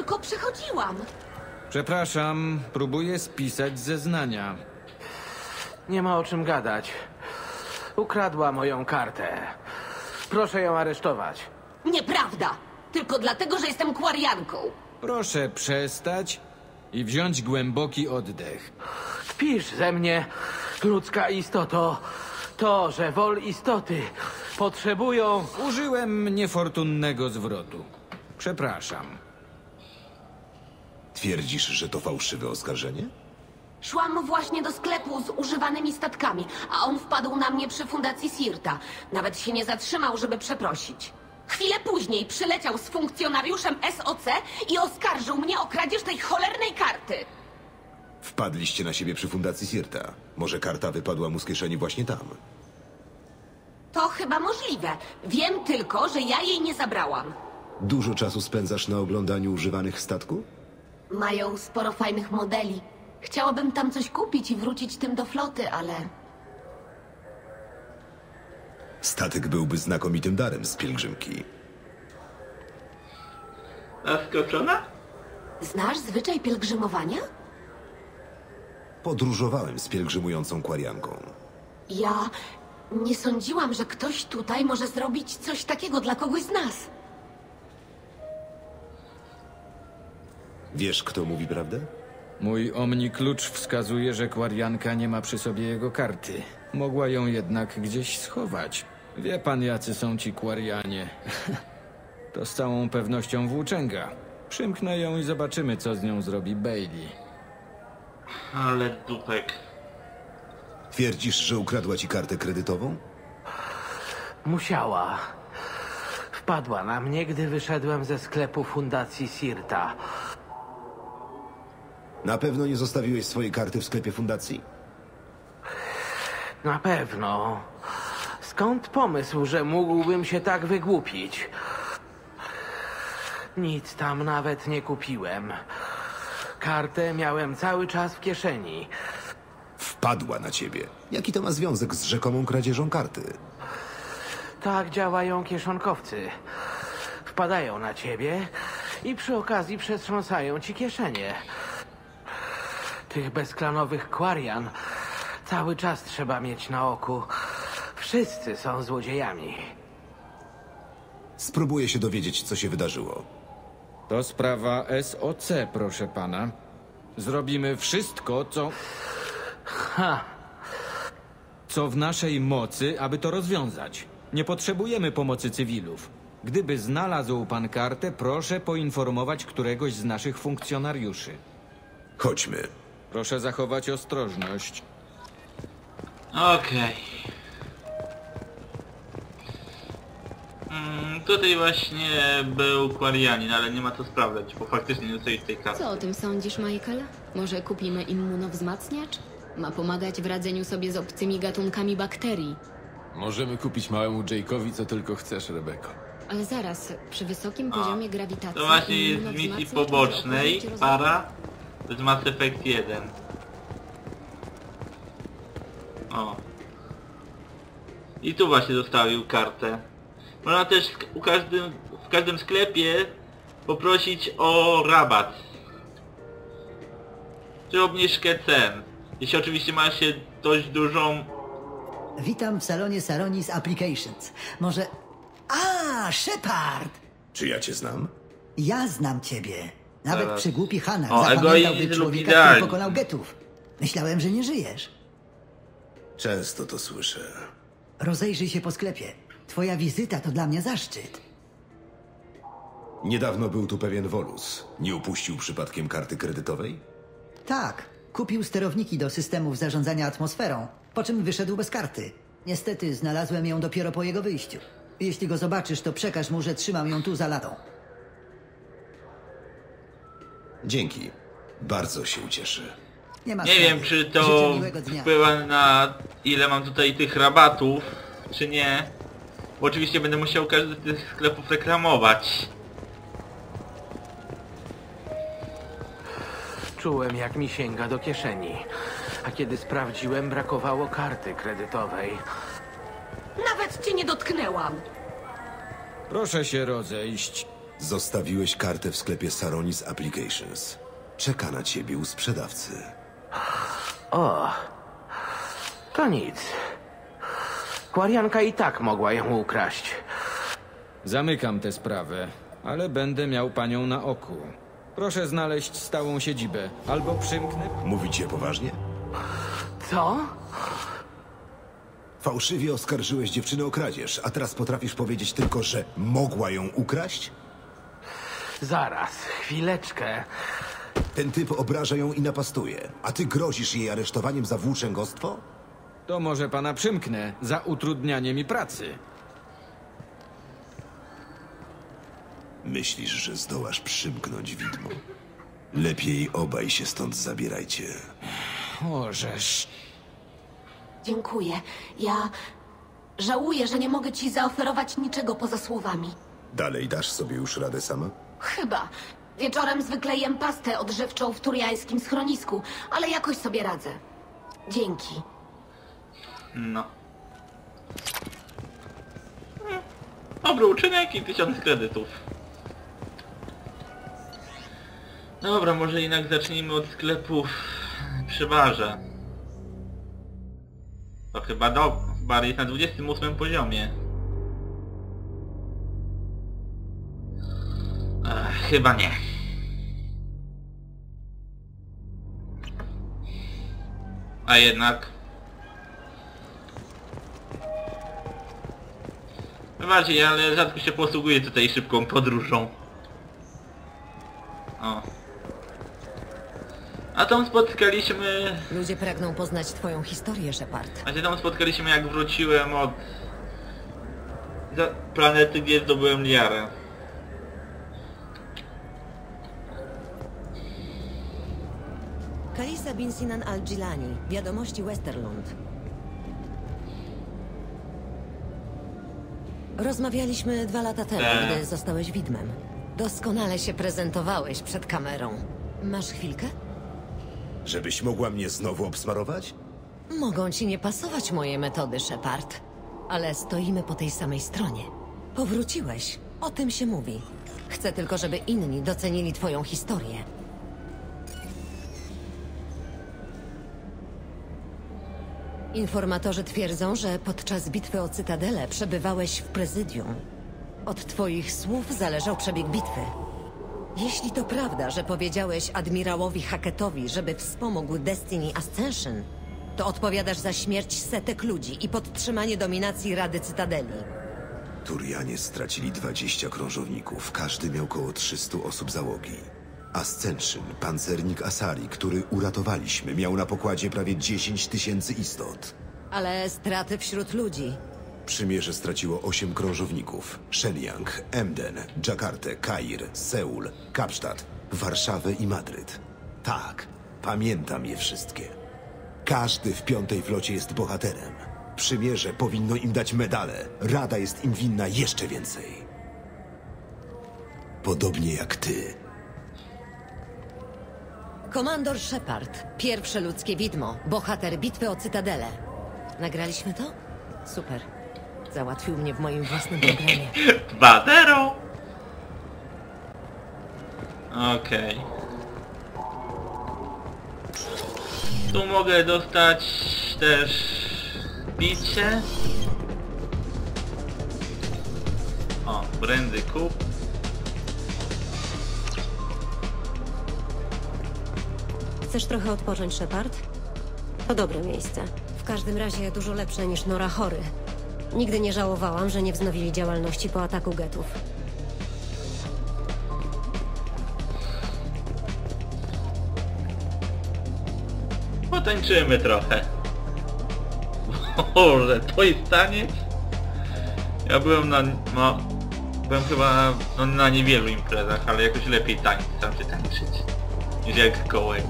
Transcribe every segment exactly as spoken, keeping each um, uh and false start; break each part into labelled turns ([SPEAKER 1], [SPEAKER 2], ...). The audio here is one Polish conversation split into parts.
[SPEAKER 1] tylko przechodziłam.
[SPEAKER 2] Przepraszam, próbuję spisać zeznania.
[SPEAKER 3] Nie ma o czym gadać. Ukradła moją kartę. Proszę ją aresztować.
[SPEAKER 1] Nieprawda! Tylko dlatego, że jestem kwarianką.
[SPEAKER 2] Proszę przestać i wziąć głęboki oddech.
[SPEAKER 3] Pisz ze mnie, ludzka istoto, to, że wol istoty potrzebują...
[SPEAKER 2] Użyłem niefortunnego zwrotu. Przepraszam.
[SPEAKER 4] Twierdzisz, że to fałszywe oskarżenie?
[SPEAKER 1] Szłam właśnie do sklepu z używanymi statkami, a on wpadł na mnie przy fundacji Sirta. Nawet się nie zatrzymał, żeby przeprosić. Chwilę później przyleciał z funkcjonariuszem S O C i oskarżył mnie o kradzież tej cholernej karty.
[SPEAKER 4] Wpadliście na siebie przy fundacji Sirta. Może karta wypadła mu z kieszeni właśnie tam?
[SPEAKER 1] To chyba możliwe. Wiem tylko, że ja jej nie zabrałam.
[SPEAKER 4] Dużo czasu spędzasz na oglądaniu używanych statków?
[SPEAKER 1] Mają sporo fajnych modeli. Chciałabym tam coś kupić i wrócić tym do floty, ale...
[SPEAKER 4] Statek byłby znakomitym darem z pielgrzymki.
[SPEAKER 5] Zaskoczona?
[SPEAKER 1] Znasz zwyczaj pielgrzymowania?
[SPEAKER 4] Podróżowałem z pielgrzymującą kwarianką.
[SPEAKER 1] Ja nie sądziłam, że ktoś tutaj może zrobić coś takiego dla kogoś z nas.
[SPEAKER 4] Wiesz, kto mówi prawdę?
[SPEAKER 2] Mój omni-klucz wskazuje, że kwarianka nie ma przy sobie jego karty. Mogła ją jednak gdzieś schować. Wie pan, jacy są ci kwarianie. To z całą pewnością włóczęga. Przymknę ją i zobaczymy, co z nią zrobi Bailey.
[SPEAKER 5] Ale dupek.
[SPEAKER 4] Twierdzisz, że ukradła ci kartę kredytową?
[SPEAKER 3] Musiała. Wpadła na mnie, gdy wyszedłem ze sklepu fundacji Sirta.
[SPEAKER 4] Na pewno nie zostawiłeś swojej karty w sklepie fundacji?
[SPEAKER 3] Na pewno. Skąd pomysł, że mógłbym się tak wygłupić? Nic tam nawet nie kupiłem. Kartę miałem cały czas w kieszeni.
[SPEAKER 4] Wpadła na ciebie. Jaki to ma związek z rzekomą kradzieżą karty?
[SPEAKER 3] Tak działają kieszonkowcy. Wpadają na ciebie i przy okazji przetrząsają ci kieszenie. Tych bezklanowych kwarian cały czas trzeba mieć na oku. Wszyscy są złodziejami.
[SPEAKER 4] Spróbuję się dowiedzieć, co się wydarzyło.
[SPEAKER 2] To sprawa S O C, proszę pana. Zrobimy wszystko, co...
[SPEAKER 3] Ha!
[SPEAKER 2] co w naszej mocy, aby to rozwiązać. Nie potrzebujemy pomocy cywilów. Gdyby znalazł pan kartę, proszę poinformować któregoś z naszych funkcjonariuszy.
[SPEAKER 4] Chodźmy.
[SPEAKER 2] Proszę zachować ostrożność.
[SPEAKER 5] Okej. Mm, tutaj właśnie był kwarianin, ale nie ma co sprawdzać, bo faktycznie nie dostali tej karty.
[SPEAKER 6] Co o tym sądzisz, Michael? Może kupimy immunowzmacniacz? Ma pomagać w radzeniu sobie z obcymi gatunkami bakterii.
[SPEAKER 7] Możemy kupić małemu Jake'owi co tylko chcesz, Rebeko.
[SPEAKER 6] Ale zaraz, przy wysokim poziomie grawitacji...
[SPEAKER 5] To właśnie jest z misji
[SPEAKER 6] immunowzmacniacz
[SPEAKER 5] pobocznej,
[SPEAKER 6] może opowiedzieć
[SPEAKER 5] para, to jest Mass Effect jeden. O. I tu właśnie zostawił kartę. Można też u każdym, w każdym sklepie poprosić o rabat. Czy obniżkę cen. Jeśli oczywiście ma się dość dużą...
[SPEAKER 8] Witam w salonie Saronis Applications. Może... A, Shepard!
[SPEAKER 4] Czy ja cię znam?
[SPEAKER 8] Ja znam ciebie. Nawet
[SPEAKER 5] Zaraz.
[SPEAKER 8] przygłupi Hanak
[SPEAKER 5] O,
[SPEAKER 8] zapamiętałby
[SPEAKER 5] egoizm
[SPEAKER 8] człowieka,
[SPEAKER 5] idealny.
[SPEAKER 8] który pokonał getów. Myślałem, że nie żyjesz.
[SPEAKER 4] Często to słyszę.
[SPEAKER 8] Rozejrzyj się po sklepie. Twoja wizyta to dla mnie zaszczyt.
[SPEAKER 4] Niedawno był tu pewien Volus. Nie upuścił przypadkiem karty kredytowej?
[SPEAKER 8] Tak, kupił sterowniki do systemów zarządzania atmosferą, po czym wyszedł bez karty. Niestety znalazłem ją dopiero po jego wyjściu. Jeśli go zobaczysz, to przekaż mu, że trzymam ją tu za ladą.
[SPEAKER 4] Dzięki. Bardzo się ucieszę.
[SPEAKER 8] Nie ma
[SPEAKER 5] Nie
[SPEAKER 8] sprawy.
[SPEAKER 5] wiem, czy to
[SPEAKER 8] Życzę miłego dnia.
[SPEAKER 5] wpływa na ile mam tutaj tych rabatów, czy nie. Bo oczywiście będę musiał każdy z tych sklepów reklamować.
[SPEAKER 3] Czułem, jak mi sięga do kieszeni. A kiedy sprawdziłem, brakowało karty kredytowej.
[SPEAKER 1] Nawet cię nie dotknęłam.
[SPEAKER 2] Proszę się rozejść.
[SPEAKER 4] Zostawiłeś kartę w sklepie Saronis Applications. Czeka na ciebie u sprzedawcy.
[SPEAKER 3] O, to nic. Kwarianka i tak mogła ją ukraść.
[SPEAKER 2] Zamykam tę sprawę, ale będę miał panią na oku. Proszę znaleźć stałą siedzibę, albo przymknę...
[SPEAKER 4] Mówicie poważnie?
[SPEAKER 3] Co?
[SPEAKER 4] Fałszywie oskarżyłeś dziewczynę o kradzież, a teraz potrafisz powiedzieć tylko, że mogła ją ukraść?
[SPEAKER 3] Zaraz, chwileczkę.
[SPEAKER 4] Ten typ obraża ją i napastuje, a ty grozisz jej aresztowaniem za włóczęgostwo?
[SPEAKER 2] To może pana przymknę za utrudnianie mi pracy.
[SPEAKER 4] Myślisz, że zdołasz przymknąć widmo? Lepiej obaj się stąd zabierajcie.
[SPEAKER 2] Możesz.
[SPEAKER 1] Dziękuję. Ja żałuję, że nie mogę ci zaoferować niczego poza słowami.
[SPEAKER 4] Dalej dasz sobie już radę sama?
[SPEAKER 1] Chyba. Wieczorem zwykle jem pastę odżywczą w turiańskim schronisku, ale jakoś sobie radzę. Dzięki.
[SPEAKER 5] No. Dobry uczynek i tysiąc kredytów. Dobra, może jednak zacznijmy od sklepów przy barze. To chyba do... bar jest na dwudziestym ósmym poziomie. Ech, chyba nie. A jednak... Wybaczcie, ale rzadko się posługuję tutaj szybką podróżą. O. A tam spotkaliśmy...
[SPEAKER 9] Ludzie pragną poznać twoją historię, Shepard.
[SPEAKER 5] A się tam spotkaliśmy, jak wróciłem od... za planety, gdzie zdobyłem Liarę.
[SPEAKER 9] Kalisa bin Sinan al-Jilani, Wiadomości Westerlund. Rozmawialiśmy dwa lata temu,
[SPEAKER 5] Tak.
[SPEAKER 9] gdy zostałeś widmem. Doskonale się prezentowałeś przed kamerą. Masz chwilkę?
[SPEAKER 4] Żebyś mogła mnie znowu obsmarować?
[SPEAKER 9] Mogą ci nie pasować moje metody, Shepard. Ale stoimy po tej samej stronie. Powróciłeś. O tym się mówi. Chcę tylko, żeby inni docenili twoją historię. Informatorzy twierdzą, że podczas bitwy o Cytadelę przebywałeś w prezydium. Od twoich słów zależał przebieg bitwy. Jeśli to prawda, że powiedziałeś admirałowi Hackettowi, żeby wspomógł Destiny Ascension, to odpowiadasz za śmierć setek ludzi i podtrzymanie dominacji Rady Cytadeli.
[SPEAKER 4] Turianie stracili dwadzieścia krążowników, każdy miał około trzysta osób załogi. Ascension, pancernik Asari, który uratowaliśmy, miał na pokładzie prawie dziesięć tysięcy istot.
[SPEAKER 9] Ale straty wśród ludzi.
[SPEAKER 4] Przymierze straciło osiem krążowników. Shenyang, Emden, Dżakartę, Kair, Seul, Kapsztad, Warszawę i Madryt. Tak, pamiętam je wszystkie. Każdy w piątej flocie jest bohaterem. Przymierze powinno im dać medale. Rada jest im winna jeszcze więcej. Podobnie jak ty.
[SPEAKER 9] Komandor Shepard, pierwsze ludzkie widmo, bohater bitwy o Cytadelę. Nagraliśmy to? Super. Załatwił mnie w moim własnym programie.
[SPEAKER 5] dwa zero! Okej. Tu mogę dostać też bicie. O, brandy kup.
[SPEAKER 10] Chcesz trochę odpocząć, Shepard? To dobre miejsce. W każdym razie dużo lepsze niż Nora Chory. Nigdy nie żałowałam, że nie wznowili działalności po ataku getów.
[SPEAKER 5] Potańczymy trochę. Boże, to jest taniec? Ja byłem na... no... Byłem chyba no, na niewielu imprezach, ale jakoś lepiej tańczyć, tam się tańczyć. Niż jak kołek.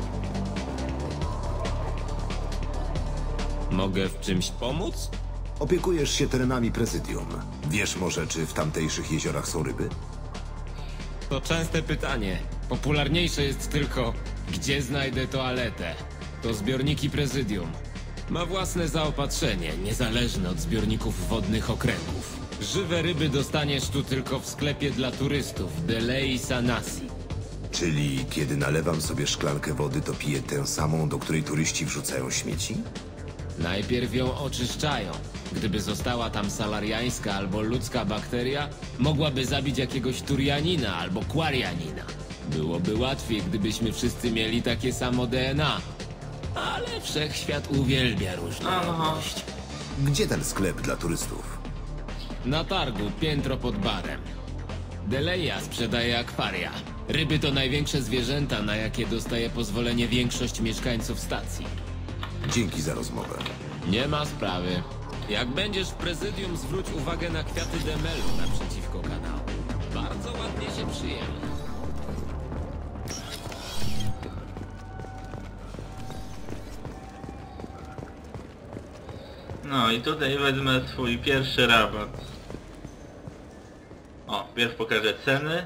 [SPEAKER 7] Mogę w czymś pomóc?
[SPEAKER 4] Opiekujesz się terenami prezydium. Wiesz może, czy w tamtejszych jeziorach są ryby?
[SPEAKER 7] To częste pytanie. Popularniejsze jest tylko, gdzie znajdę toaletę. To zbiorniki prezydium. Ma własne zaopatrzenie, niezależne od zbiorników wodnych okręgów. Żywe ryby dostaniesz tu tylko w sklepie dla turystów, Delei Sanasi.
[SPEAKER 4] Czyli kiedy nalewam sobie szklankę wody, to piję tę samą, do której turyści wrzucają śmieci?
[SPEAKER 7] Najpierw ją oczyszczają. Gdyby została tam salariańska albo ludzka bakteria, mogłaby zabić jakiegoś Turianina albo Quarianina. Byłoby łatwiej, gdybyśmy wszyscy mieli takie samo D N A. Ale wszechświat uwielbia różnorodność.
[SPEAKER 4] Gdzie ten sklep dla turystów?
[SPEAKER 7] Na targu, piętro pod barem. Deleia sprzedaje akwaria. Ryby to największe zwierzęta, na jakie dostaje pozwolenie większość mieszkańców stacji.
[SPEAKER 4] Dzięki za rozmowę.
[SPEAKER 7] Nie ma sprawy. Jak będziesz w prezydium, zwróć uwagę na kwiaty demelu naprzeciwko kanału. Bardzo ładnie się przyjęły.
[SPEAKER 5] No i tutaj wezmę swój pierwszy rabat. O, pierw pokażę ceny.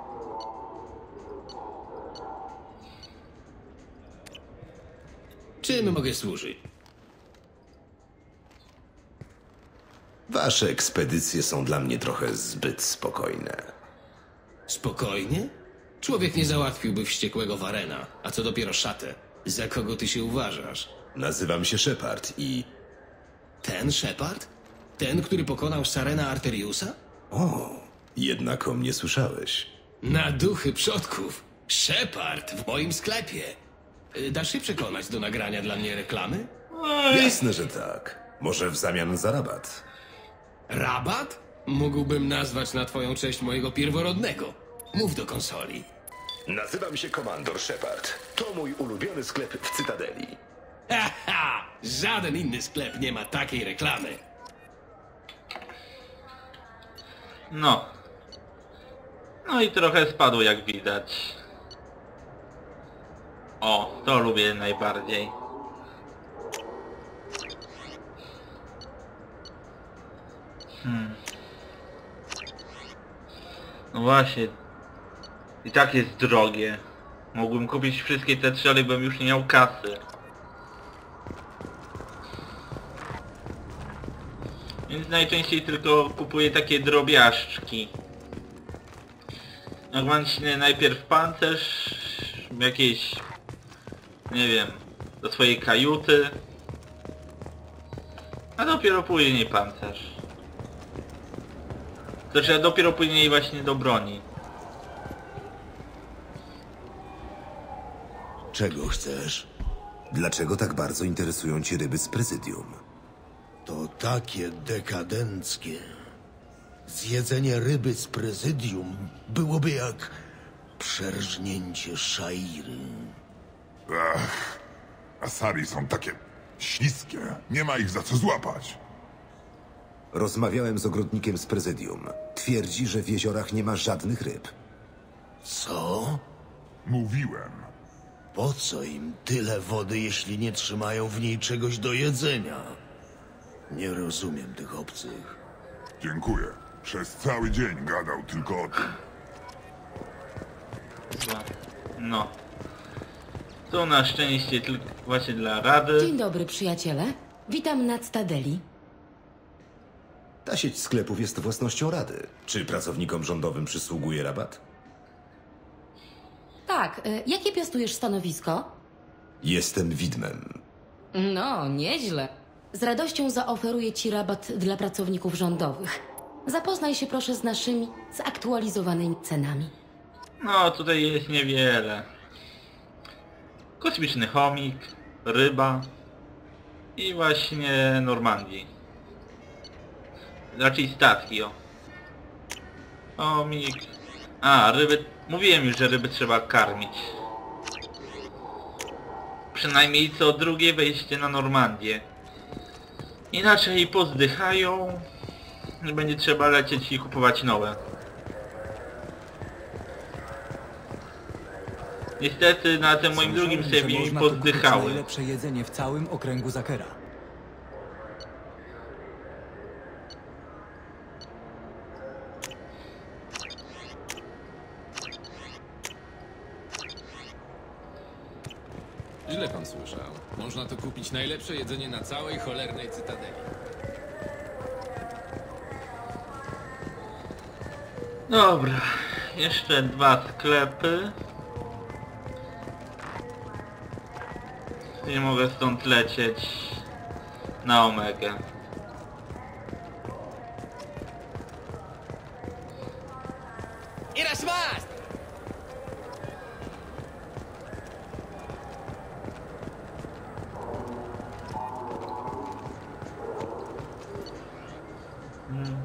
[SPEAKER 11] Czym mogę służyć?
[SPEAKER 4] Wasze ekspedycje są dla mnie trochę zbyt spokojne.
[SPEAKER 11] Spokojnie? Człowiek nie załatwiłby wściekłego Warena, a co dopiero szatę. Za kogo ty się uważasz?
[SPEAKER 4] Nazywam się Shepard i...
[SPEAKER 11] Ten Shepard? Ten, który pokonał Sarena Arteriusa?
[SPEAKER 4] O, jednak o mnie słyszałeś.
[SPEAKER 11] Na duchy przodków! Shepard w moim sklepie! Y, Dasz się przekonać do nagrania dla mnie reklamy?
[SPEAKER 4] Jasne, że tak. Może w zamian za rabat.
[SPEAKER 11] Rabat? Mógłbym nazwać na twoją cześć mojego pierworodnego. Mów do konsoli.
[SPEAKER 4] Nazywam się Komandor Shepard. To mój ulubiony sklep w Cytadeli.
[SPEAKER 11] Haha! Żaden inny sklep nie ma takiej reklamy.
[SPEAKER 5] No. No i trochę spadło, jak widać. O, to lubię najbardziej. Hmm. No właśnie. I tak jest drogie. Mógłbym kupić wszystkie te trzy, ale bym już nie miał kasy. Więc najczęściej tylko kupuję takie drobiażdżki. Jak mam najpierw pancerz, jakieś, nie wiem, do swojej kajuty, a dopiero później pancerz. Znaczy, a dopiero później właśnie do broni.
[SPEAKER 4] Czego chcesz? Dlaczego tak bardzo interesują cię ryby z prezydium?
[SPEAKER 12] To takie dekadenckie. Zjedzenie ryby z prezydium byłoby jak przerżnięcie szairy.
[SPEAKER 13] Ach, asari są takie śliskie. Nie ma ich za co złapać.
[SPEAKER 4] Rozmawiałem z ogrodnikiem z prezydium. Twierdzi, że w jeziorach nie ma żadnych ryb.
[SPEAKER 12] Co?
[SPEAKER 13] Mówiłem.
[SPEAKER 12] Po co im tyle wody, jeśli nie trzymają w niej czegoś do jedzenia? Nie rozumiem tych obcych.
[SPEAKER 13] Dziękuję. Przez cały dzień gadał tylko o tym.
[SPEAKER 5] No. To na szczęście tylko właśnie dla rady.
[SPEAKER 14] Dzień dobry, przyjaciele. Witam na Cytadeli.
[SPEAKER 4] Ta sieć sklepów jest własnością Rady. Czy pracownikom rządowym przysługuje rabat?
[SPEAKER 14] Tak, y, jakie piastujesz stanowisko?
[SPEAKER 4] Jestem widmem.
[SPEAKER 14] No, nieźle. Z radością zaoferuję ci rabat dla pracowników rządowych. Zapoznaj się proszę z naszymi zaktualizowanymi cenami.
[SPEAKER 5] No, tutaj jest niewiele. Kosmiczny chomik, ryba i właśnie Normandii. Raczej statki, o. Chomik. A, ryby... Mówiłem już, że ryby trzeba karmić. Przynajmniej co drugie wejście na Normandię. Inaczej pozdychają i będzie trzeba lecieć i kupować nowe. Niestety na tym moim drugim sobie mi pozdychały.
[SPEAKER 15] Najlepsze jedzenie w całym okręgu Zakera.
[SPEAKER 7] Źle pan słyszał. Można tu kupić najlepsze jedzenie na całej cholernej Cytadeli.
[SPEAKER 5] Dobra, jeszcze dwa sklepy. Nie mogę stąd lecieć na Omegę.
[SPEAKER 16] ¡Eras más!
[SPEAKER 5] Hmm.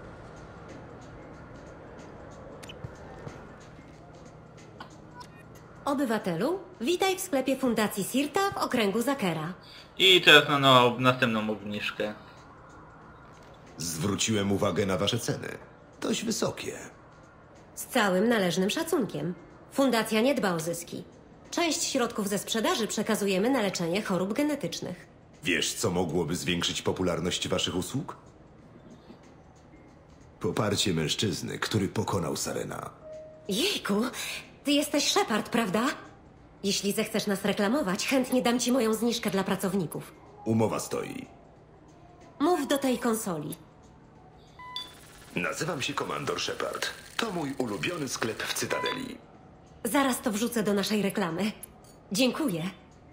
[SPEAKER 10] Obywatelu, witaj w sklepie Fundacji Sirta w okręgu Zakera.
[SPEAKER 5] I teraz na no, następną obniżkę.
[SPEAKER 4] Zwróciłem uwagę na wasze ceny. Dość wysokie.
[SPEAKER 10] Z całym należnym szacunkiem. Fundacja nie dba o zyski. Część środków ze sprzedaży przekazujemy na leczenie chorób genetycznych.
[SPEAKER 4] Wiesz, co mogłoby zwiększyć popularność waszych usług? Poparcie mężczyzny, który pokonał Sarena.
[SPEAKER 10] Jejku, ty jesteś Shepard, prawda? Jeśli zechcesz nas reklamować, chętnie dam ci moją zniżkę dla pracowników.
[SPEAKER 4] Umowa stoi.
[SPEAKER 10] Mów do tej konsoli.
[SPEAKER 4] Nazywam się Komandor Shepard. To mój ulubiony sklep w Cytadeli.
[SPEAKER 10] Zaraz to wrzucę do naszej reklamy. Dziękuję.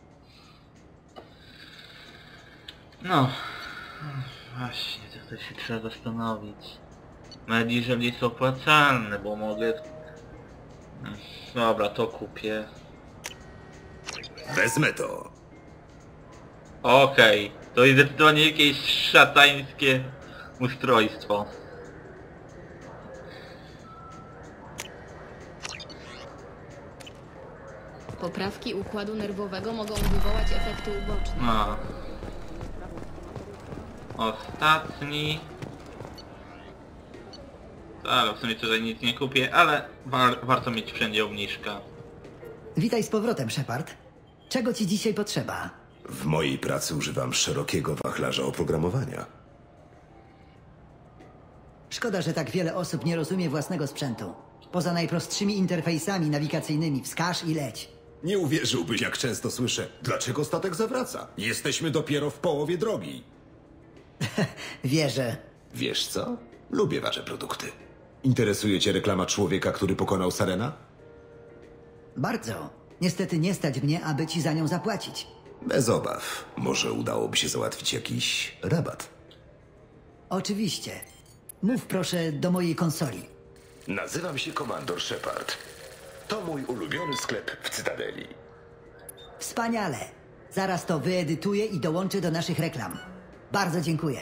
[SPEAKER 5] No. Właśnie, to się trzeba zastanowić. Nawet jeżeli jest opłacalne, bo mogę... Dobra, to kupię.
[SPEAKER 4] Wezmę to.
[SPEAKER 5] Okej, okay. To jest zdecydowanie jakieś szatańskie ustrojstwo.
[SPEAKER 6] Poprawki układu nerwowego mogą wywołać efekty uboczne.
[SPEAKER 5] No. Ostatni. Ale w sumie tutaj nic nie kupię, ale war warto mieć wszędzie obniżka.
[SPEAKER 8] Witaj z powrotem, Shepard. Czego ci dzisiaj potrzeba?
[SPEAKER 4] W mojej pracy używam szerokiego wachlarza oprogramowania.
[SPEAKER 8] Szkoda, że tak wiele osób nie rozumie własnego sprzętu. Poza najprostszymi interfejsami nawigacyjnymi wskaż i leć.
[SPEAKER 4] Nie uwierzyłbyś, jak często słyszę, dlaczego statek zawraca? Jesteśmy dopiero w połowie drogi.
[SPEAKER 8] Wierzę.
[SPEAKER 4] Wiesz co? Lubię wasze produkty. Interesuje cię reklama człowieka, który pokonał Sarena?
[SPEAKER 8] Bardzo. Niestety nie stać mnie, aby ci za nią zapłacić.
[SPEAKER 4] Bez obaw. Może udałoby się załatwić jakiś rabat.
[SPEAKER 8] Oczywiście. Mów proszę do mojej konsoli.
[SPEAKER 4] Nazywam się Komandor Shepard. To mój ulubiony sklep w Cytadeli.
[SPEAKER 8] Wspaniale. Zaraz to wyedytuję i dołączę do naszych reklam. Bardzo dziękuję.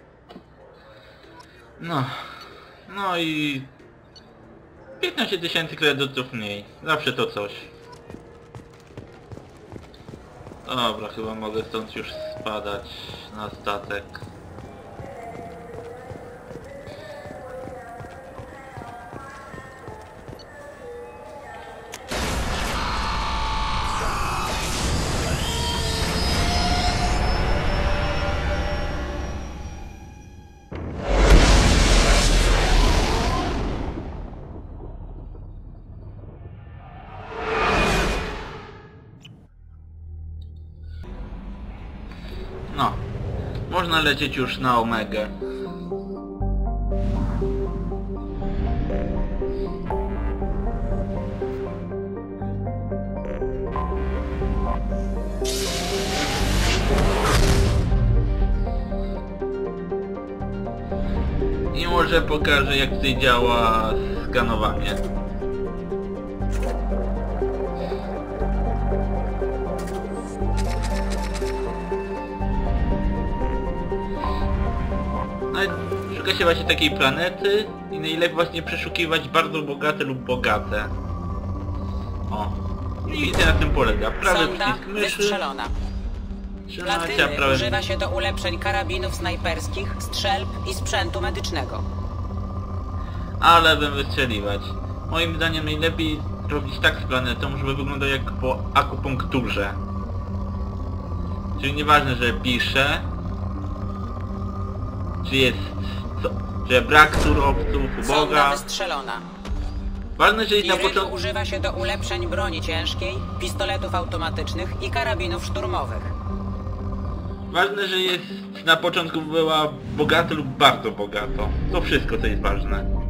[SPEAKER 5] No. No i... piętnaście tysięcy kredytów mniej. Zawsze to coś. Dobra, chyba mogę stąd już spadać na statek. No, można lecieć już na Omegę. I może pokażę, jak tutaj działa skanowanie. Szuka się właśnie takiej planety i najlepiej właśnie przeszukiwać bardzo bogate lub bogate. O. I na tym polega. Prawy
[SPEAKER 17] Sonda
[SPEAKER 5] przycisk myszy.
[SPEAKER 17] wystrzelona. Platyny
[SPEAKER 5] prawy...
[SPEAKER 17] używa się do ulepszeń karabinów snajperskich, strzelb i sprzętu medycznego.
[SPEAKER 5] Ale bym wystrzeliwać. Moim zdaniem najlepiej robić tak z planetą, żeby wyglądał jak po akupunkturze. Czyli nieważne, że pisze, czy jest co, że brak surowców,
[SPEAKER 17] Sonda
[SPEAKER 5] uboga.
[SPEAKER 17] wystrzelona.
[SPEAKER 5] Ważne, że jest na
[SPEAKER 17] Irytu
[SPEAKER 5] początku...
[SPEAKER 17] używa się do ulepszeń broni ciężkiej, pistoletów automatycznych i karabinów szturmowych.
[SPEAKER 5] Ważne, że jest na początku była bogato lub bardzo bogato. To wszystko, co jest ważne.